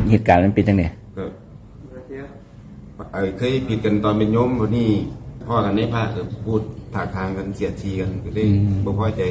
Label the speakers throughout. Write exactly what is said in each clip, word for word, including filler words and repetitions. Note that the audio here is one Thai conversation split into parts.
Speaker 1: เหตุการณ์มันเป็นยังไง
Speaker 2: ก็ไอ้เคยผิดกันตอนเป็นโยมวันนี้พ่อกันในภาคพูดถากทางกันเสียดสีกันก็เลยบ่พอใจ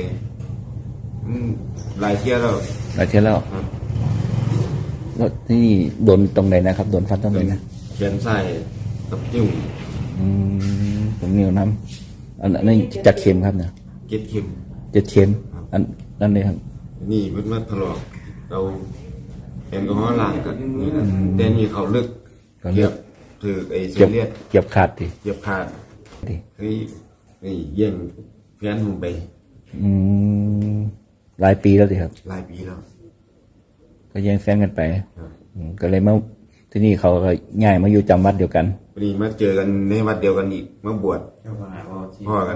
Speaker 2: หลายเที่ยวแล้ว
Speaker 1: หลายเที่ยวแล้วแล้วที่โดนตรงไหนนะครับโดนฟันตรงไหนนะ
Speaker 2: แขนซ้ายกับนิ้ว
Speaker 1: อืมตรงนิ้วน้ำอันนั้นจักเข็มครับเนี่ย
Speaker 2: เจ็ดเข็ม
Speaker 1: เจ็ดเข็มอันนั่นเลยครับ
Speaker 2: นี่มันมาถลอกเราแอลกอฮอล์ล้างกันนี่นะแต่นี่เขาเลือกเกียบถือไอ้เส้นเลือด
Speaker 1: เกียบขาดดิ
Speaker 2: เกียบขาดดิเฮ้ยนี่เยี่ยงแฟนผมไป
Speaker 1: อืมหลายปีแล้วสิครับ
Speaker 2: หลายปีแล้ว
Speaker 1: ก็แย่งแฟนกันไปก็เลยมาที่นี่เขาก็ง่ายมาอยู่จำวัดเดียวกัน
Speaker 2: พอดีมาเจอกันในวัดเดียวกันอีกมาบวชพ่อกัน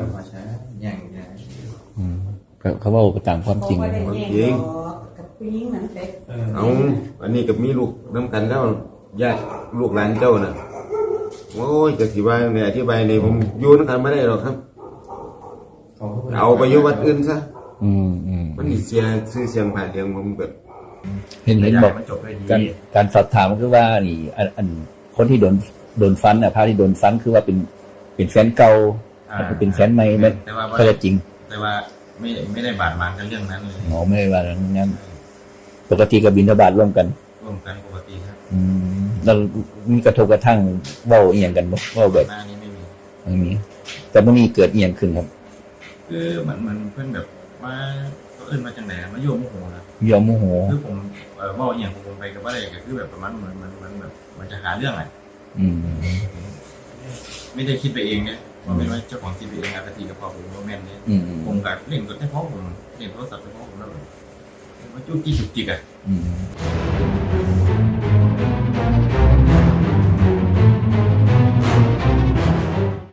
Speaker 1: เขาว่าไปตามความจริง
Speaker 2: จริงเอาอันนี้กับมีลูกน้ำกันแล้วญาติลูกหลานเจ้าน่ะโอ้ยจะสิบายเนี่ยอธิบายในผมอยู่นักการไม่ได้หรอกครับเอาไปอยู่วัดอื่นซะ
Speaker 1: อืมอืม
Speaker 2: มันเสียชื่อเสียงผ่านเสียงผมแบบ
Speaker 1: เห็นเห็นบอกการการสอบถามคือว่านี่อันอันคนที่โดนโดนฟันอ่ะพระที่โดนฟันคือว่าเป็นเป็นแฟนเก่าเป็นแฟนใหม่ไหมก็จะจริง
Speaker 3: แต่ว่าไม่ไม่ได้บาดหมางกันเรื่องนั้นเลย
Speaker 1: อ๋อไม่ได้บาดหมางนั้นปกติกับบิณฑบาตร่วมกัน
Speaker 3: ร่วมกันปกติครับ
Speaker 1: อืมแล้วมีกระทบกระทั่งเว้าเอียงกันบ่เว้าแบบ
Speaker 3: นี้ไม่มี
Speaker 1: ไม่มีแต่เมื่อนี้เกิดเอียงขึ้นครับ
Speaker 3: คือเหมือนมันเพื่อนแบบมาก็เอิ้นมาจังไหนมาโยมโมโหนะ
Speaker 1: โยมโมโห
Speaker 3: คือผมเอ่อเว้าเอียงผมไปกับว่าอะไรก็คือแบบประมาณเหมือนมันมันแบบมันจะหาเรื่องอะไร
Speaker 1: อืม
Speaker 3: ไม่ได้คิดไปเองเนี่ยว่าเป็นว่าเจ้าของคิดไปเองนะกะทิกับพ่อผมว่าแม่นเนี่ยผมกับเล่นกับแค่พ่อผมเล่นโทรศัพท์กับพ่อผมแล้วแบบมันจุกจิกจุกจิกอ่ะ